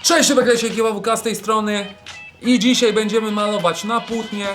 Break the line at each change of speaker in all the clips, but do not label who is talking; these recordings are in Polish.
Cześć, Beklesie, KWK z tej strony i dzisiaj będziemy malować na płótnie.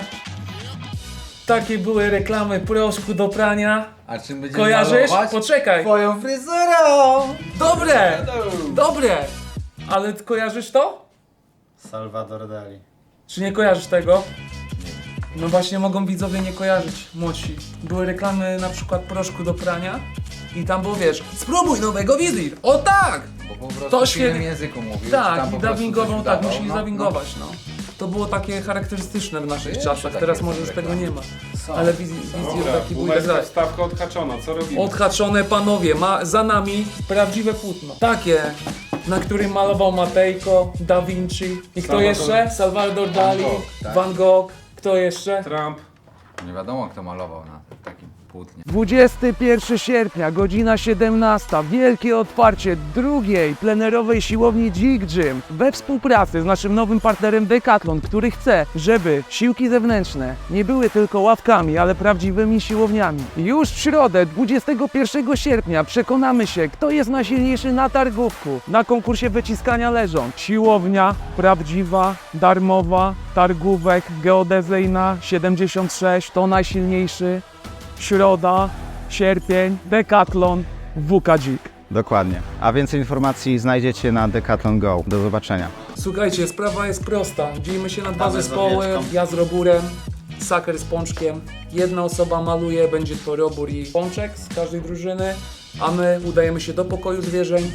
Takie były reklamy proszku do prania.
A czym będziemy
Kojarzysz?
malować?
Poczekaj.
Twoją fryzurą!
Dobre! Dobre! Ale ty kojarzysz to?
Salvador Dali.
Czy nie kojarzysz tego? No właśnie mogą widzowie nie kojarzyć, młodsi. Były reklamy na przykład proszku do prania i tam było, wiesz, spróbuj nowego Wizir. O tak!
Bo po prostu
To
w
świetnie.
innym języku mówił. czy
Tak,
tam
i
po prostu
dubbingową,
coś
tak,
udawał.
musieli dubbingować, no. To było takie charakterystyczne w naszych
Jeszcze
czasach,
takie
teraz
są
może już tego
reklamy.
nie ma.
Są.
Ale Wizir taki był
Boomerska
tak.
wstawka odhaczona, co robimy?
Odhaczone panowie, za nami prawdziwe płótno. Takie, na którym malował Matejko, Da Vinci i kto
Salvador-
jeszcze? Salvador Dali,
Gogh, tak.
Van Gogh, kto jeszcze?
Trump.
Nie wiadomo kto malował na takim płótnie.
21 sierpnia, godzina 17. Wielkie otwarcie drugiej plenerowej siłowni Dzik Gym we współpracy z naszym nowym partnerem Decathlon, który chce, żeby siłki zewnętrzne nie były tylko ławkami, ale prawdziwymi siłowniami. Już w środę, 21 sierpnia przekonamy się, kto jest najsilniejszy na targówku, na konkursie wyciskania leżąt. Siłownia prawdziwa, darmowa, targówek geodezyjna 76 to najsilniejszy. Środa, sierpień, Decathlon, WK Dzik.
Dokładnie. A więcej informacji znajdziecie na Decathlon Go. Do zobaczenia.
Słuchajcie, sprawa jest prosta. Dzielimy się na dwa
Damy z
zespoły.
owieczką.
Ja z Roburem, Saker z Pączkiem. Jedna osoba maluje, będzie to Robur i Pączek z każdej drużyny, a my udajemy się do pokoju zwierzeń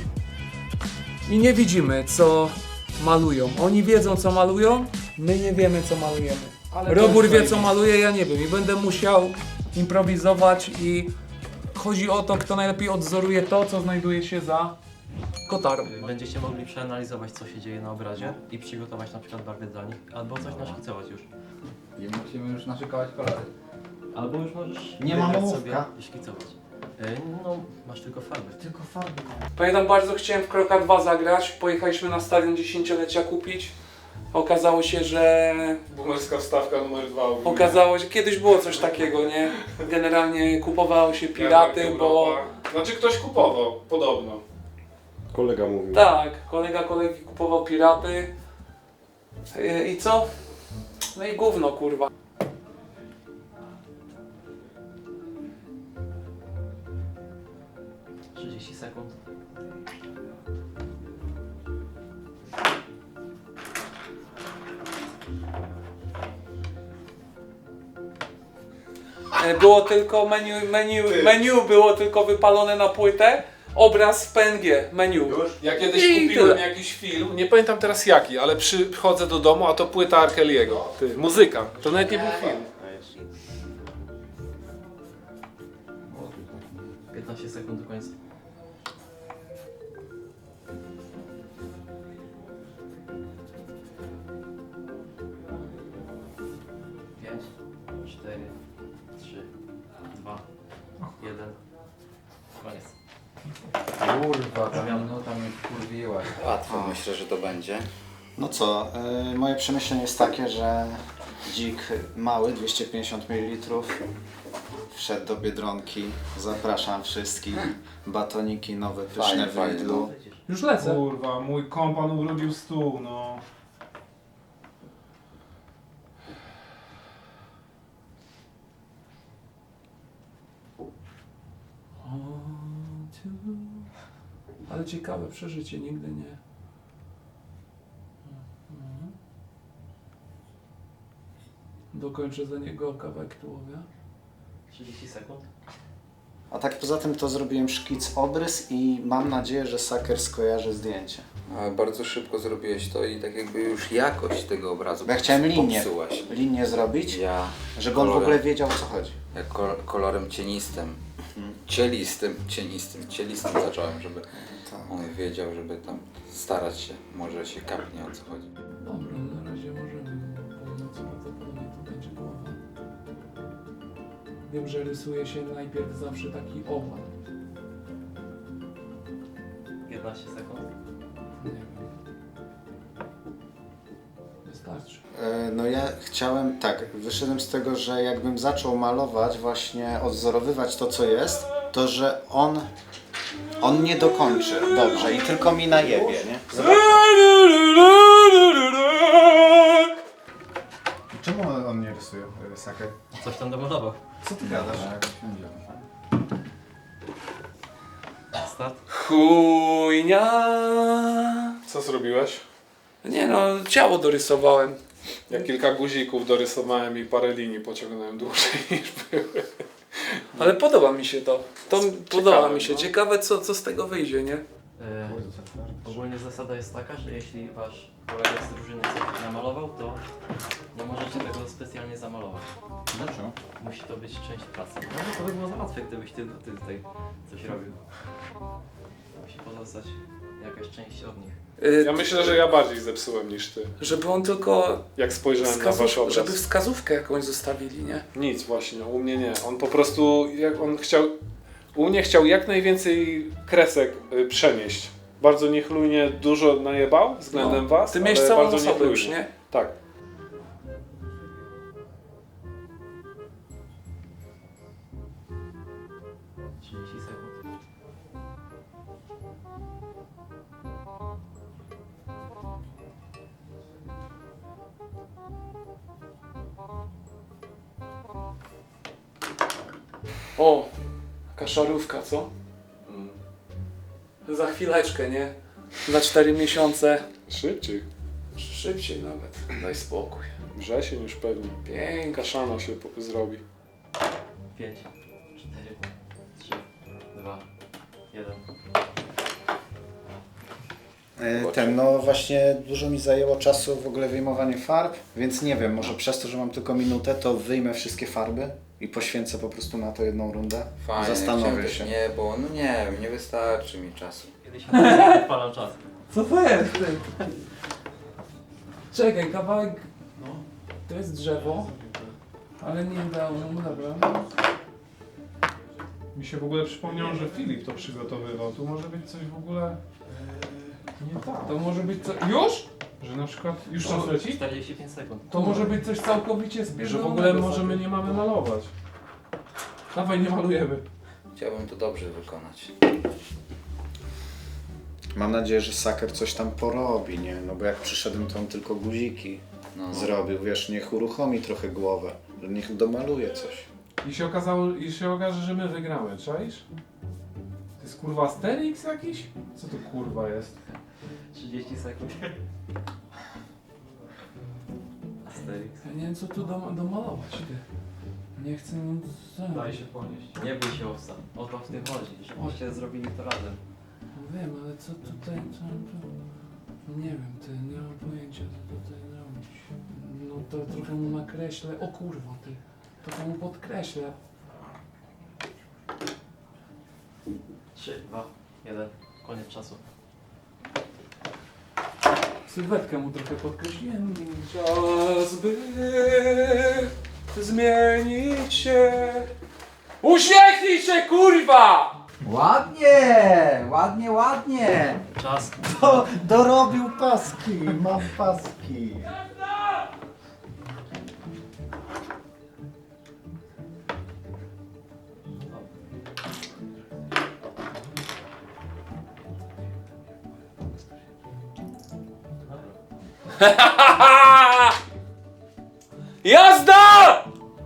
i nie widzimy, co malują. Oni wiedzą, co malują, my nie wiemy, co malujemy. Robur wie, co maluje, ja nie wiem i będę musiał improwizować i chodzi o to, kto najlepiej odzoruje to, co znajduje się za kotarą.
Będziecie mogli przeanalizować, co się dzieje na obrazie i przygotować na przykład barwy dla nich, albo coś naszkicować już.
I musimy już naszykować kolory.
Albo już możesz
Nie ma
wybrać
ołówka.
sobie i szkicować. No, masz tylko farby.
Pamiętam, bardzo chciałem w Kroka 2 zagrać. Pojechaliśmy na stadion 10-lecia kupić. Okazało się, że
Boomerska wstawka numer 2.
kiedyś było coś takiego, nie? Generalnie kupowało się piraty, bo
Znaczy ktoś kupował, podobno. Kolega mówił.
tak, kolega kolegi kupował piraty. I co? No i gówno, kurwa.
- 30 sekund.
Było tylko menu było tylko wypalone na płytę. Obraz w PNG, menu.
Ja kiedyś
I
kupiłem
tyle.
jakiś film, nie pamiętam teraz jaki, ale przychodzę do domu, a to płyta R. Kelly'ego. Ty, muzyka. To nawet nie był film.
15 sekund do końca. Pięć, 4, 3, 2, 1. Koniec.
Kurwa, ta minuta mnie wkurwiłaś.
Łatwo myślę, że to będzie.
No co, moje przemyślenie jest takie, że dzik mały, 250 ml, wszedł do Biedronki. Zapraszam wszystkich. Batoniki nowe, pyszne
Fajnie,
w
fajnie,
Lidlu.
Już lecę.
Kurwa, mój kompan ubrudził stół, no.
Ale ciekawe przeżycie, nigdy nie. Dokończę za niego kawałek tułowia.
30 sekund.
A tak poza tym to zrobiłem szkic, obrys i mam nadzieję, że Saker skojarzy zdjęcie.
A bardzo szybko zrobiłeś to i tak jakby już jakość tego obrazu
Bo ja chciałem
popsułaś.
linię zrobić,
Ja
żeby on w ogóle wiedział, o co chodzi.
jak kolorem cienistym, cielistym zacząłem, żeby on wiedział, żeby tam starać się, może się kapnie o co chodzi.
Dobra, na razie możemy. Północ prawdopodobnie to będzie połowa. Wiem, że rysuje się najpierw zawsze taki owal.
15 sekund.
Nie wiem. Wystarczy.
No ja chciałem, tak, wyszedłem z tego, że jakbym zaczął malować, właśnie odzorowywać to, co jest, to że on nie dokończy dobrze i tylko mi najebie, nie? Zobacz.
rysuje Saker.
Coś tam domalował.
Co ty gadasz?
Tak, siądziemy.
Start.
Chujnia.
Co zrobiłeś?
Nie no, ciało dorysowałem.
Ja kilka guzików dorysowałem i parę linii pociągnąłem dłużej niż były.
Ale podoba mi się to. Podoba mi się.
no.
Ciekawe co z tego wyjdzie, nie?
Ogólnie zasada jest taka, że jeśli wasz kolega z drużyny coś namalował, to nie możecie tego specjalnie zamalować.
Dlaczego?
Musi to być część pracy. No to by było za łatwe, gdybyś ty tutaj coś robił. Musi pozostać jakaś część od nich.
Ja myślę, że ja bardziej zepsułem niż ty.
Żeby on tylko
Jak spojrzałem na wasz obraz.
żeby wskazówkę jakąś zostawili, nie?
Nic właśnie, u mnie nie. On po prostu, u mnie chciał jak najwięcej kresek przenieść. Bardzo niechlujnie dużo najebał względem was,
Ty miałeś
ale
całą
bardzo
osobę
niechlujnie.
już, nie?
Tak.
Sekund.
O, jaka szarówka, co? Za chwileczkę, nie? Za 4 miesiące.
Szybciej.
Szybciej nawet. Daj spokój.
Wrzesień już pewnie.
Pięknie.
Kaszana się zrobi.
5, 4, 3, 2, 1.
No właśnie dużo mi zajęło czasu w ogóle wyjmowanie farb, więc nie wiem, może przez to, że mam tylko minutę, to wyjmę wszystkie farby i poświęcę po prostu na to jedną rundę.
Fajnie,
Zastanowię
chciałem
się.
też nie, bo no nie wiem, nie wystarczy mi czasu.
Kiedyś odpalam czas.
Co to jest, ty? Czekaj, kawałek... No. To jest drzewo. Ale nie udało mu, dobra.
Mi się w ogóle przypomniało, że Filip to przygotowywał. Tu może być coś w ogóle nie tak.
To może być co... Już?
Że na przykład już czas leci?
45 sekund.
To może być coś całkowicie
Że w
spierdolonego.
ogóle może my nie mamy malować. Dawaj, nie malujemy.
Chciałbym to dobrze wykonać.
Mam nadzieję, że Saker coś tam porobi, nie? No bo jak przyszedłem, to on tylko guziki
No.
zrobił, wiesz, niech uruchomi trochę głowę, że niech domaluje coś.
I się okaże, że my wygramy, czaisz? To jest kurwa Asterix jakiś? Co to kurwa jest?
30 sekund. Asterix.
Ja nie wiem co tu domalować, ty. Nie chcę nic...
Daj się ponieść. Nie bój się owca. O to w tym chodzi, żebyście zrobili to razem.
No wiem, ale co tutaj... No nie wiem, ty, nie mam pojęcia co tutaj robić. No to trochę mu nakreślę... O kurwa, ty. Trochę mu podkreślę.
3, 2, 1. Koniec czasu.
Sylwetkę mu trochę podkreśliłem. Czas by zmienić się. Uśmiechnij się, kurwa!
Ładnie! Ładnie, ładnie!
Czas.
Dorobił paski, mam paski.
Jazda!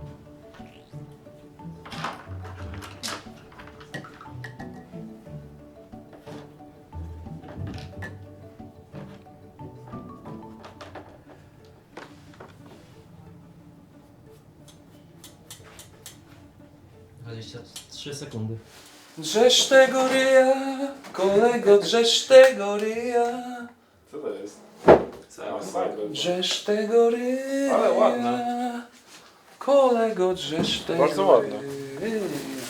Trzy sekundy.
Drzesz tego ryja, kolego, drzesz tego ryja.
Co to jest?
Drzesz tego ryja.
Ale ładne.
Kolego, drzesz tego
Bardzo ładne.
ryja.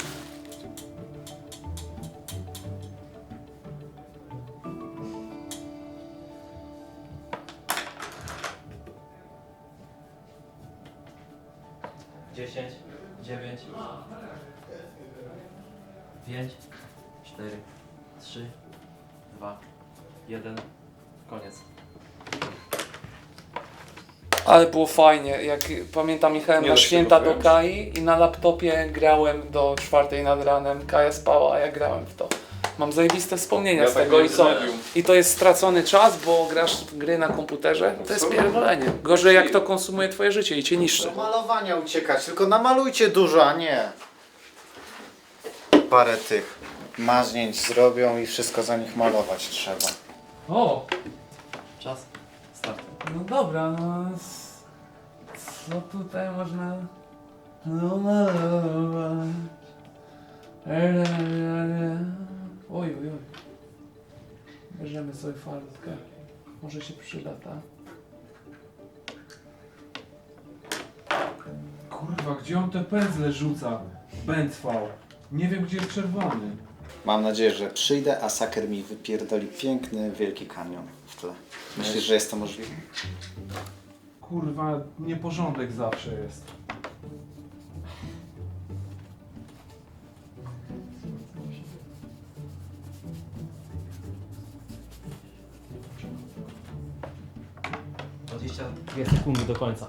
Dziesięć, 9, 5, 4, 3, 2, 1. Koniec.
Ale było fajnie, jak pamiętam jechałem
Nie
na
da się
święta
tego
do
wyjąć.
Kai i na laptopie grałem do 4 nad ranem. Kaja spała, a ja grałem w to. Mam zajebiste wspomnienia
Ja
z
tak
tego
miałem
i co?
z Medium.
I to jest stracony czas, bo grasz w gry na komputerze. To jest pierdolenie. Gorzej jak to konsumuje twoje życie i cię niszczy.
Do malowania uciekać, tylko namalujcie dużo, a nie parę tych maźnięć zrobią i wszystko za nich malować trzeba.
O,
Czas. Start.
no dobra, no... Co tutaj można... No malować... Oj, oj, oj. Bierzemy sobie farbkę. Może się przyda, ta.
Kurwa, gdzie on te pędzle rzuca? Bęcwał. Nie wiem, gdzie jest czerwony.
Mam nadzieję, że przyjdę, a Saker mi wypierdoli piękny, wielki kanion w tle. Myślisz, że jest to możliwe?
Kurwa, nieporządek zawsze jest.
Sekundy do końca.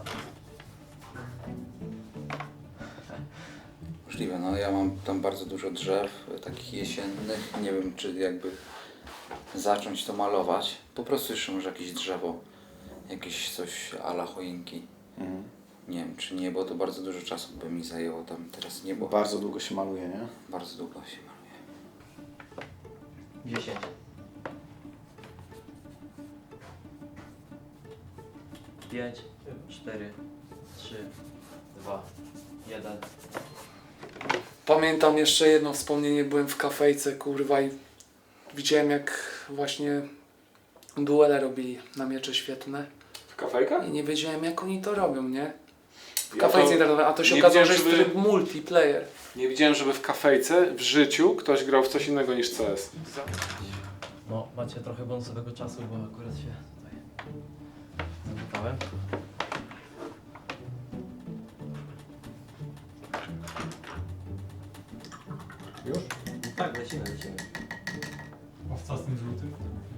Możliwe, no ja mam tam bardzo dużo drzew, takich jesiennych. Nie wiem, czy jakby zacząć to malować. Po prostu jeszcze może jakieś drzewo, jakieś coś a la choinki. Nie wiem, czy nie, bo to bardzo dużo czasu by mi zajęło tam teraz niebo.
Bardzo długo się maluje, nie?
Bardzo długo się maluje.
10. 5, 4, 3, 2, 1.
Pamiętam jeszcze jedno wspomnienie, byłem w kafejce, kurwa, i widziałem jak właśnie duele robili na miecze świetne
W kafejkach?
i nie wiedziałem jak oni to robią, nie? W
Ja
kafejce
to
internetowej, a to się
nie
okazało, że
widziałem,
jest
żeby-
tryb multiplayer.
Nie widziałem, żeby w kafejce w życiu ktoś grał w coś innego niż CS.
No, macie trochę bonusowego czasu, bo akurat się tutaj zapytałem.
Już?
Tak, lecimy.
A co z tym żółtym?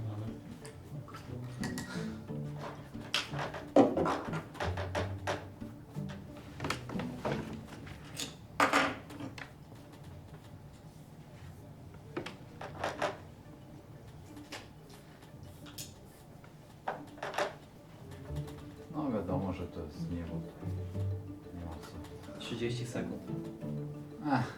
No wiadomo, że to jest niebo. Nie ma co.
30 sekund.
Ech.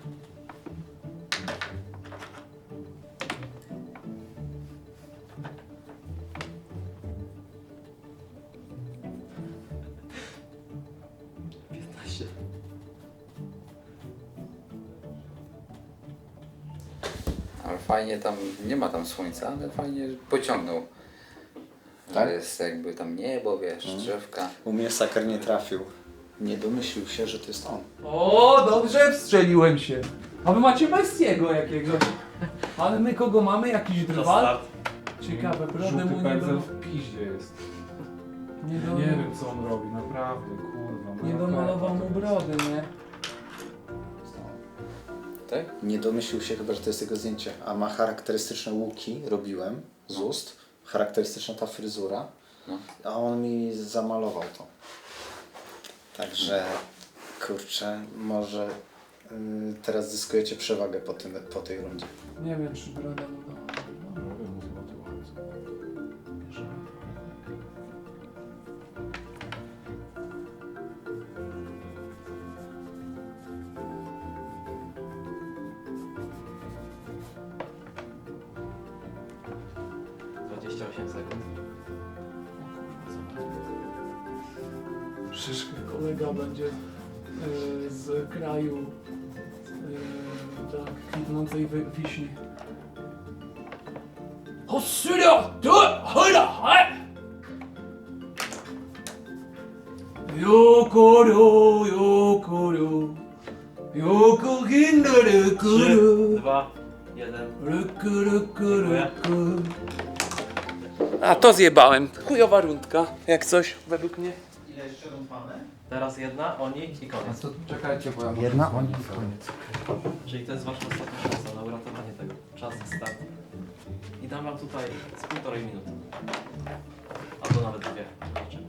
Ale fajnie tam, nie ma tam słońca, ale fajnie pociągnął.
Tak?
Że jest jakby tam niebo, wiesz, drzewka.
U mnie Saker nie trafił. Nie domyślił się, że to jest on.
O, dobrze wstrzeliłem się. A wy macie Messiego jakiegoś. Ale my kogo mamy? Jakiś
Czas
drwal?
start.
Ciekawe, brodę
Żółty
mu nie
pędzel
do...
w piździe jest.
Nie,
Ja
do...
nie wiem, co on robi, naprawdę, kurwa.
nie
moja
domalował
karta
mu
to
brody, nie?
Tak?
Nie domyślił się chyba, że to jest jego zdjęcie. A ma charakterystyczne łuki, robiłem z ust. Charakterystyczna ta fryzura.
No.
A on mi zamalował to. Także, kurczę, może teraz zyskujecie przewagę po tej rundzie.
Nie wiem, czy broda mu do...
Robię mu złoty łańcuch.
No. 28 sekund.
Szyszkę kolega będzie z kraju tak, kwitnącej wiśni. Hosyra! Yokoro, yokoro, yoko hindare
3,
kuru.
2, 1.
A to zjebałem. Chujowa rundka, jak coś, według mnie.
Ile jeszcze rund mamy?
Teraz jedna, oni i koniec.
to czekajcie, bo ja
Jedna, oni koniec.
Czyli to jest wasza ostatnia szansa na uratowanie tego. Czas start. I dam wam tutaj z 1,5 minuty. Albo nawet 2. Zobaczymy.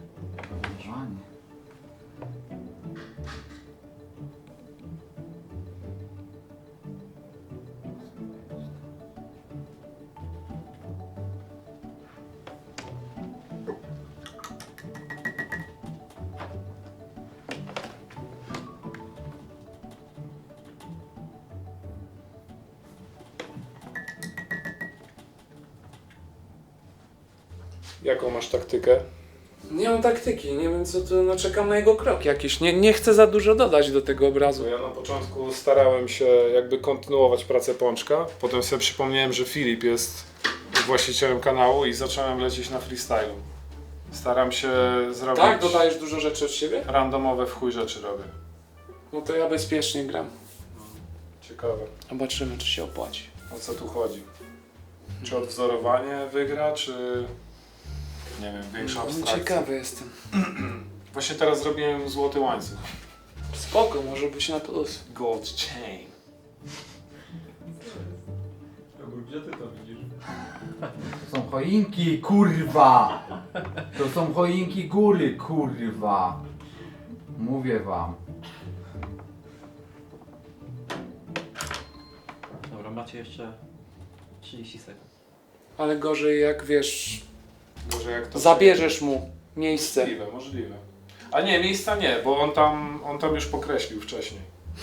Jaką masz taktykę?
Nie mam taktyki, nie wiem co to, no czekam na jego krok jakiś. Nie chcę za dużo dodać do tego obrazu.
Ja na początku starałem się jakby kontynuować pracę Pączka, potem sobie przypomniałem, że Filip jest właścicielem kanału i zacząłem lecieć na freestylu. Staram się zrobić...
Tak? Dodajesz dużo rzeczy od siebie?
Randomowe w chuj rzeczy robię.
No to ja bezpiecznie gram.
Ciekawe.
Zobaczymy, czy się opłaci.
O co tu chodzi? Czy odwzorowanie wygra, czy... Nie wiem, większa abstrakcja.
Ciekawy jestem.
Właśnie teraz zrobiłem złoty łańcuch.
Spoko, może być na plus.
Gold chain.
Gdzie ty to widzisz?
To są choinki, kurwa! To są choinki góry, kurwa! Mówię wam.
Dobra, macie jeszcze 30 sekund.
Ale gorzej jak wiesz,
Może jak to...
zabierzesz mu miejsce.
Możliwe, możliwe. A nie, miejsca nie, bo on tam już pokreślił wcześniej.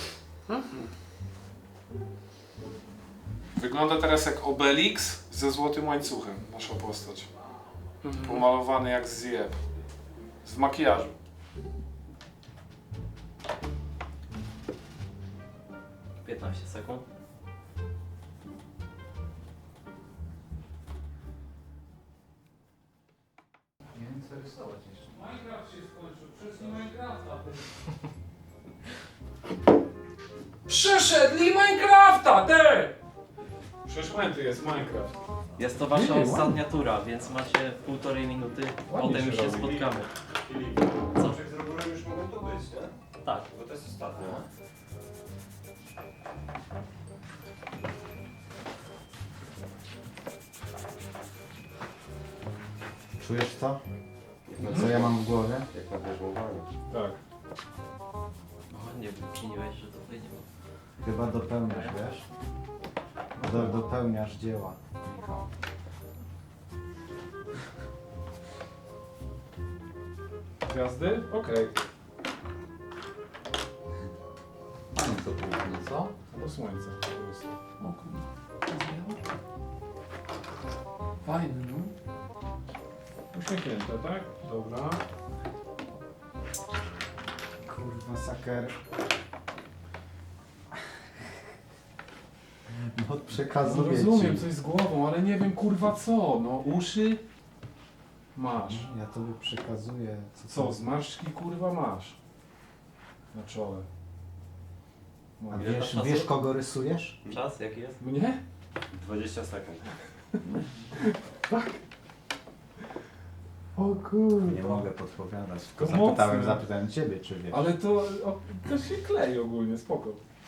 Wygląda teraz jak Obelix ze złotym łańcuchem, nasza postać. Pomalowany jak zjeb. W makijażu.
- 15 sekund.
Nie wiem co rysować jeszcze.
Minecraft się skończył, przez Minecrafta. Przeszedli Minecrafta, te!
Przeszłęty jest Minecraft.
Jest to wasza
Nie,
ostatnia tura, więc macie 1,5 minuty,
Ładnie
potem
się
już się
robi.
spotkamy. Co?
Z Roburem już mogą tu być, nie?
Tak.
Bo to jest ostatnie.
Czujesz to? No co ja mam w głowie?
Jak na wierzmowanie.
Tak.
O, nie wyczyniłeś, że tutaj nie ma.
Chyba dopełniasz, wiesz? Dopełniasz dzieła, Michał.
Gwiazdy? Okej.
Mamy to południe, co?
Albo słońce po prostu.
O kurwa. Fajny, no.
Uśmiechnięte, tak? Dobra.
Kurwa, saker. No przekazuję
Rozumiem
ci.
coś z głową, ale nie wiem kurwa co. No uszy masz.
Ja tobie przekazuję.
Co, zmarszczki kurwa masz? Na czole. No,
A wiesz kogo rysujesz?
Czas jaki jest?
Mnie?
20 sekund.
O kurwa.
Nie mogę podpowiadać.
To
Tylko
mocne.
zapytałem ciebie, czy wiesz.
Ale to się klei ogólnie, spoko.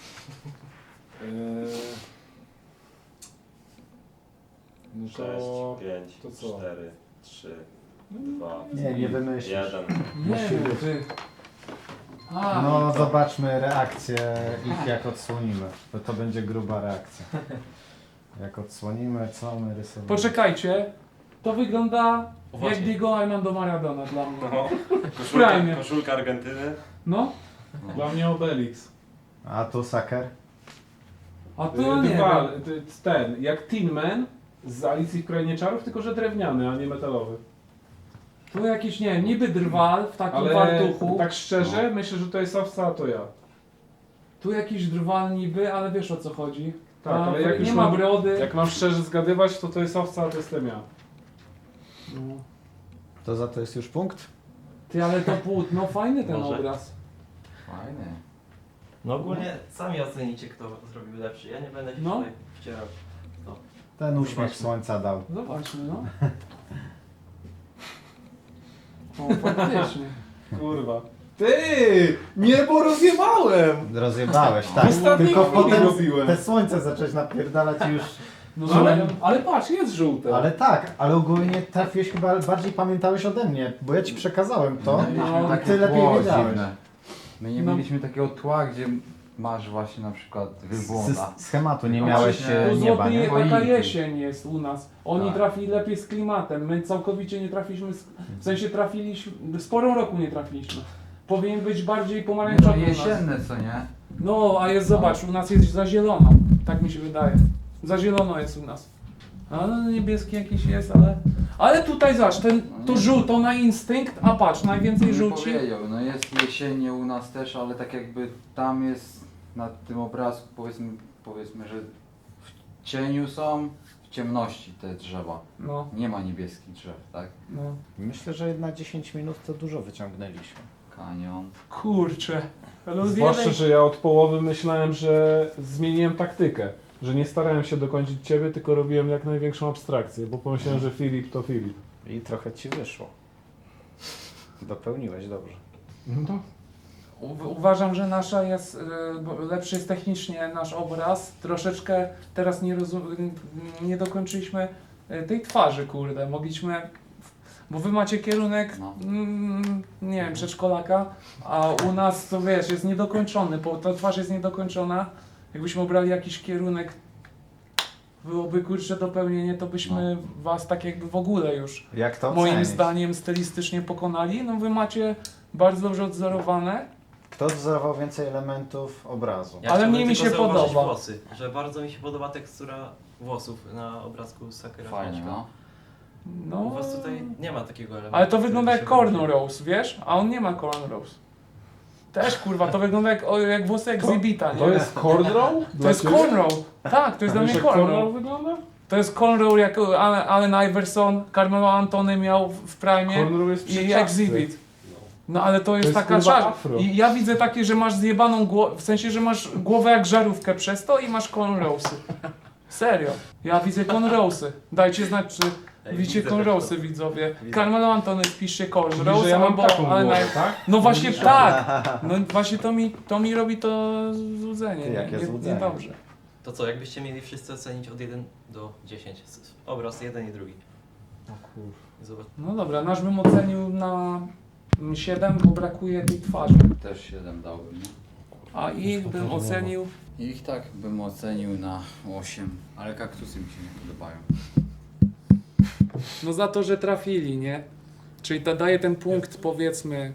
No
6,
to...
5,
to co?
4, 3, 2,
Nie wymyślisz.
1.
Nie, ty. A,
No zobaczmy reakcję ich jak odsłonimy. Bo to będzie gruba reakcja. Jak odsłonimy, co my rysujemy.
poczekajcie. To wygląda
O,
jak
właśnie.
Diego Armando Maradona dla mnie.
No.
Prime.
Koszulka Argentyny.
No,
Dla mnie Obelix.
A tu saker?
a to nie
Drwal,
wiem.
ten, jak Tin Man z Alicji w Krainie Czarów, tylko że drewniany, a nie metalowy.
Tu jakiś, nie wiem, niby drwal w takim
Ale
fartuchu.
tak szczerze, myślę, że to jest owca, a to ja.
Tu jakiś drwal niby, ale wiesz o co chodzi.
Tak,
A,
ale jak
nie
już
ma
mam-
brody.
Jak mam szczerze zgadywać, to jest owca, a to jestem ja.
No.
To za to jest już punkt?
Ty, ale to płótno, fajny ten
Może.
obraz.
Fajnie.
No ogólnie sami ocenicie, kto zrobił lepszy. Ja nie będę się
No.
tutaj wcierał.
Ten uśmiech słońca dał.
Zobaczmy, no. O, faktycznie.
Kurwa. Ty! Niebo rozjebałem!
Rozjebałeś, tak.
ostatniej
Tylko
chwili
potem
robiłem.
te słońce zacząłeś napierdalać i już...
No,
Ale patrz, jest żółte.
Ale tak, ale ogólnie trafiłeś chyba, bardziej pamiętałeś ode mnie, bo ja ci przekazałem to,
No,
a ty lepiej wiedziałeś.
dziwne. My nie
No.
mieliśmy takiego tła, gdzie masz właśnie na przykład wielbłąda.
Schematu nie
No
miałeś
właśnie,
Tu
nieba, nie?
złoty, taka
Choinki.
jesień jest u nas. Oni
Tak.
trafili lepiej z klimatem. My całkowicie nie trafiliśmy, w sensie trafiliśmy, sporą roku nie trafiliśmy. Powinien być bardziej
No
pomarańczowy u nas.
jesienne, co nie?
No, a jest, zobacz, u nas jest za zielono. Tak mi się wydaje. Za zielono jest u nas. A no, niebieski jakiś jest, Ale tutaj zobacz, to żółto na instynkt, a patrz, najwięcej
Nie
żółci.
powiedział, no jest jesiennie u nas też, ale tak jakby tam jest na tym obrazku powiedzmy, że w cieniu są, w ciemności te drzewa.
No,
Nie ma niebieskich drzew, tak?
no.
Myślę, że na 10 minut to dużo wyciągnęliśmy.
Kanion.
Kurczę.
Zwłaszcza, że ja od połowy myślałem, że zmieniłem taktykę. Że nie starałem się dokończyć ciebie, tylko robiłem jak największą abstrakcję, bo pomyślałem, że Filip to Filip.
I trochę ci wyszło. Dopełniłeś dobrze.
No.
Uważam, że nasza jest, lepszy jest technicznie nasz obraz. Troszeczkę teraz nie dokończyliśmy tej twarzy, kurde. Mogliśmy, bo wy macie kierunek,
No.
nie wiem, przedszkolaka, a u nas to wiesz, jest niedokończony, bo ta twarz jest niedokończona. Jakbyśmy obrali jakiś kierunek, byłoby kurczę dopełnienie, to byśmy was tak jakby w ogóle już
Jak to
moim
ocenić?
zdaniem stylistycznie pokonali. No wy macie bardzo dobrze odzorowane.
Kto wzorował więcej elementów obrazu?
Ja
Ale
chciałbym
mnie mi
tylko
się
zauważyć
podoba.
włosy, że bardzo mi się podoba tekstura włosów na obrazku Sakura.
Fajnie, no.
No,
U was tutaj nie ma takiego elementu.
ale to
który
wygląda
by
jak
się wyróżnił.
cornrows, wiesz? A on nie ma cornrows. Też kurwa, to wygląda jak włosy Exhibita, nie?
To jest cornrow?
To jest cornrow. Tak, to jest dla mnie cornrow.
wygląda?
To jest cornrow jak Allen Iverson, Carmelo Antony miał w prime
Cornrow jest przy
i
czapce.
Exhibit. No ale to jest
jest,
taka
kurwa,
czarna.
afro.
I ja widzę takie, że masz zjebaną głowę, w sensie, że masz głowę jak żarówkę przez to i masz cornrowsy. Serio. Ja widzę cornrowsy. Dajcie znać, czy
Ej,
widzicie
widzę
cornrowsy,
też
widzowie. Carmelo Antony, wpiszcie
Czyli,
cornrows,
że ja mam
albo
taką
Allen
głowę,
Iverson.
tak?
No właśnie tak. No właśnie to mi robi to złudzenie.
Ty, jakie złudzenie.
Niedobrze.
To co, jakbyście mieli wszyscy ocenić od 1 do 10? Obraz jeden i drugi. Zobacz.
No dobra, nasz bym ocenił na 7, bo brakuje tej twarzy.
Też 7 dałbym, nie?
A ich bym ocenił.
Ich tak bym ocenił na 8, ale kaktusy mi się nie podobają.
No za to, że trafili, nie? Czyli daje ten punkt powiedzmy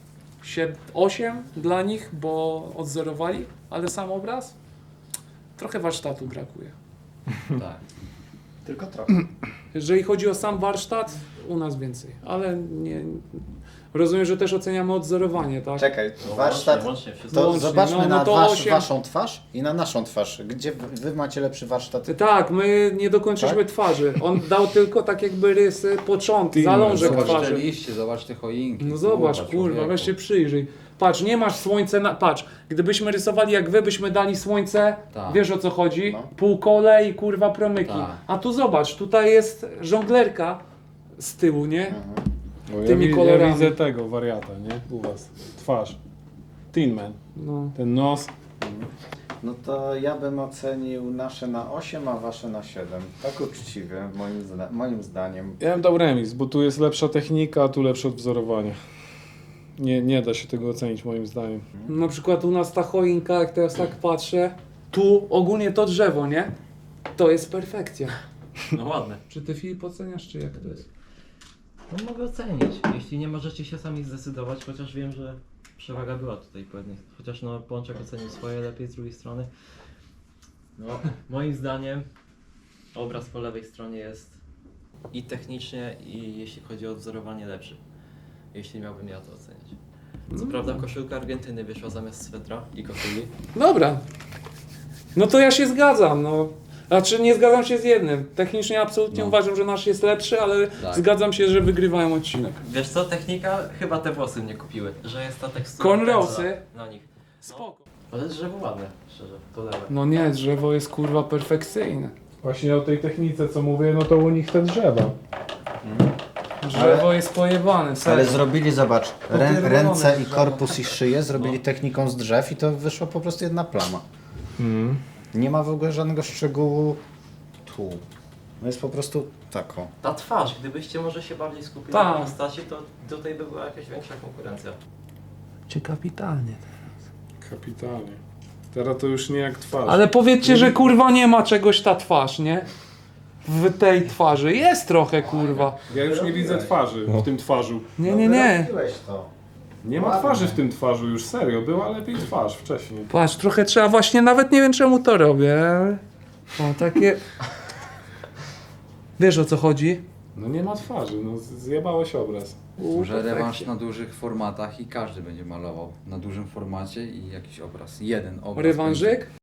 8 dla nich, bo odzorowali, ale sam obraz? Trochę warsztatu brakuje.
Tak.
Tylko trochę.
Jeżeli chodzi o sam warsztat, u nas więcej, ale nie... Rozumiem, że też oceniamy odzorowanie, tak?
Czekaj,
No,
warsztat.
łącznie wszystko.
To
Łącznie,
zobaczmy
no
na
to 8.
waszą twarz i na naszą twarz. Gdzie wy macie lepszy warsztat?
Tak, my nie dokończyliśmy twarzy. On dał tylko tak jakby rysy, początek, zalążek
Zobacz te
twarzy.
liście, zobacz te choinki.
No zobacz, kurwa,
człowieku.
weź się przyjrzyj. Patrz, nie masz słońce na... Patrz, gdybyśmy rysowali jak wy, byśmy dali słońce,
Tak.
wiesz o co chodzi?
No.
Półkole i kurwa promyki.
Tak.
A tu zobacz, tutaj jest żonglerka z tyłu, nie?
Bo
Tymi
ja
kolorami.
widzę tego wariata, nie? U was. Twarz. Tin Man.
No.
Ten nos.
No to ja bym ocenił nasze na 8, a wasze na 7. Tak uczciwie, moim zdaniem.
Ja bym dał remis, bo tu jest lepsza technika, a tu lepsze odwzorowanie. Nie da się tego ocenić moim zdaniem.
Na przykład u nas ta choinka, jak teraz tak patrzę, tu ogólnie to drzewo, nie? To jest perfekcja.
No ładne.
Czy ty, Filip, oceniasz, czy jak to jest?
No mogę ocenić, jeśli nie możecie się sami zdecydować, chociaż wiem, że przewaga była tutaj po jednej. Chociaż no Pączek ocenił swoje lepiej z drugiej strony. No moim zdaniem obraz po lewej stronie jest i technicznie, i jeśli chodzi o odwzorowanie lepszy. Jeśli miałbym ja to oceniać. Co prawda koszulka Argentyny wyszła zamiast swetra i koszuli.
Dobra. No to ja się zgadzam, no. Znaczy nie zgadzam się z jednym. Technicznie absolutnie
No.
uważam, że nasz jest lepszy, ale
Tak.
zgadzam się, że wygrywają odcinek.
Wiesz co, technika chyba te włosy mnie kupiły, że jest ta tekstura
Cornrowsy?
pędzla na nich.
Spoko.
Ale drzewo ładne, szczerze, to lewe.
No nie, drzewo jest kurwa perfekcyjne.
Właśnie o tej technice co mówię, no to u nich te drzewa.
Drzewo jest pojebane,
Ale
serio.
zrobili, zobacz,
Popierdolone
ręce i
drzewo.
korpus i szyję zrobili techniką z drzew i to wyszła po prostu jedna plama. Nie ma w ogóle żadnego szczegółu tu. No jest po prostu taką.
Ta twarz, gdybyście może się bardziej skupili
Tak.
na postaci, to tutaj by była jakaś większa konkurencja.
Czy kapitalnie.
Kapitalnie. Teraz to już nie jak twarz.
Ale powiedzcie, że kurwa nie ma czegoś ta twarz, nie? W tej twarzy. Jest trochę kurwa.
Ja już nie widzę twarzy w tym twarzu.
Nie.
Robiłeś to.
Nie ma twarzy w tym twarzu już, serio. Była lepiej twarz wcześniej.
Patrz, trochę trzeba właśnie, nawet nie wiem czemu to robię. O, takie... Wiesz o co chodzi?
No nie ma twarzy, no zjebałeś obraz.
Może rewanż na dużych formatach i każdy będzie malował na dużym formacie i jakiś obraz. Jeden obraz.
Rewanżyk?